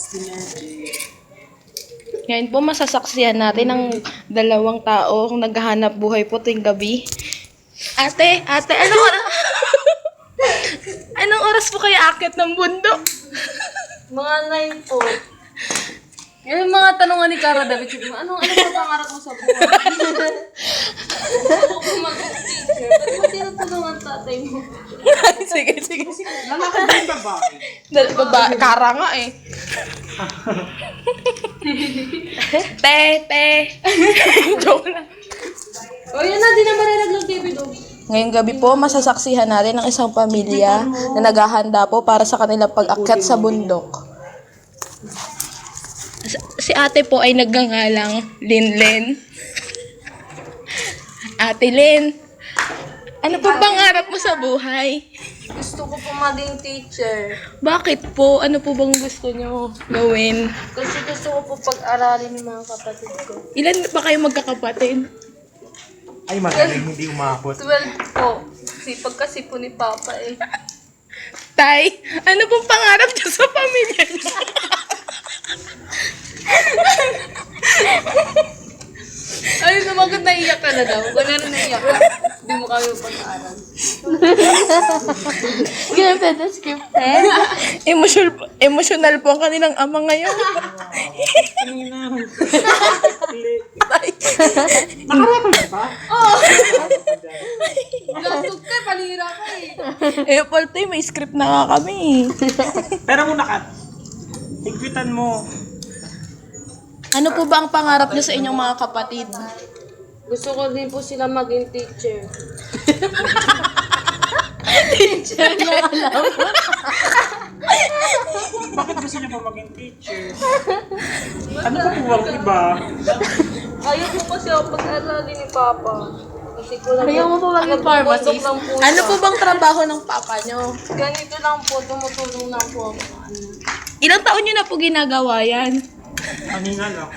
Ngayon po, masasaksihan natin ang dalawang tao kung naghahanap buhay po tuwing gabi. Ate, anong oras? Anong oras po kayo akit ng bundok? Mga 9 po. Yung mga tanongan ni Cara David, ano sa pangarap mo sa buhay? Gusto ko mag-teacher. Ba't mo tinutulungan tatay mo? Sige. Lalakad din babae. Kara nga eh. Te. Joke lang. O yun na, di na mariraglag David. Ngayong gabi po, masasaksihan natin ang isang pamilya na naghahanda po para sa kanilang pag-akyat sa bundok. Si ate po ay nagngangalang Linlen. Ate Lin, ano po pangarap mo sa buhay? Gusto ko po maging teacher. Bakit po? Ano po bang gusto nyo gawin? Kasi gusto ko po pag-aralin ng mga kapatid ko. Ilan pa kayo magkakapatid? Ay, magaling, hindi umabot. 12 po. Sipag kasi po ni Papa eh. Tay, ano pong pangarap niyo sa pamilya niyo? Ay, sumagot na iyak ka na daw. Kung ano naiyak ka, hindi mo kami pag-aaral. Grabe na scripted. Emotional po ang kanilang ama ngayon. Nakarecord ba? Lasog ka, palira ka eh. Paltoy, may script na nga kami. Pero muna ka, higpitan mo. Ano po ba ang pangarap niyo sa inyong mga kapatid? Gusto ko din po sila maging teacher. Bakit gusto niyo pa maging teacher? Ano pa po ang iba? Ayaw ko kasi ako pag-aralin ni Papa. Kasi ko lang Ayaw mo po maging pharmacist? lang po Ano siya. po bang trabaho ng papa niyo? Ganito lang po, tumutulong lang po ako. Ilang taon niyo na po ginagawa yan? Kanina lang.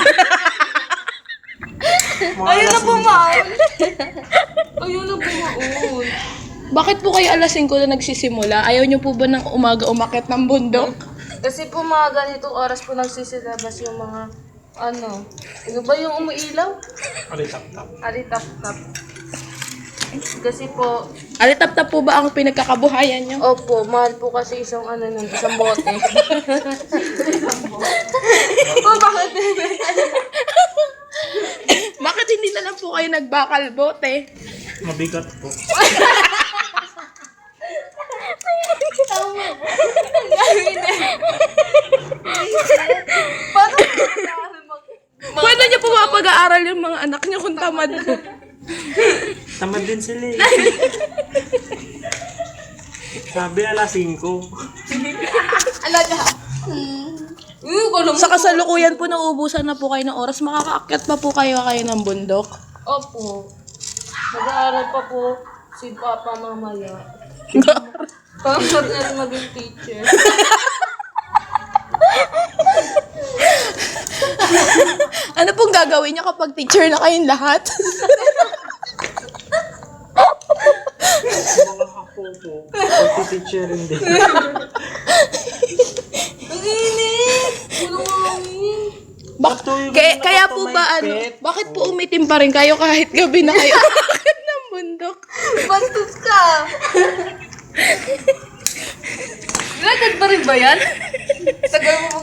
Ayaw na bumaon. Ayaw na bumaon. Bakit po kayo alas 5 na nagsisimula? Ayaw niyo po ba ng umaga umakyat ng bundok? Kasi po mga ganitong oras po nagsisilabas yung mga ano ba yung umuilaw? Alitap-tap. Alitap-tap. Kasi po, Alitap-tap po ba ang pinagkakabuhayan niyo? opo, mahal po kasi isang isang bote. Oh, bakit? Bakit hindi na lang po kayo nagbakal bote? Mabigat po. Paano Paano niyo po mapag-aaral yung mga anak niyo kung tamad? Tamad din sila eh. Sabi alas 5. alaga? Sa kasalukuyan po nauubusan na po kayo ng oras, makakaakyat pa po kayo ng bundok. Opo. Mag-aaral pa po si Papa mamaya. Pangarap na rin maging teacher. Ano pong gagawin niyo kapag teacher na kayong lahat? Mga kapopo. Pagtiteacher rin din. Ang init! Walang hangin. Kaya po ba bakit po umitim pa rin kayo kahit gabi na kayo aakyat ng bundok? Bastos ka! Lagad pa rin ba yan? Tagal mo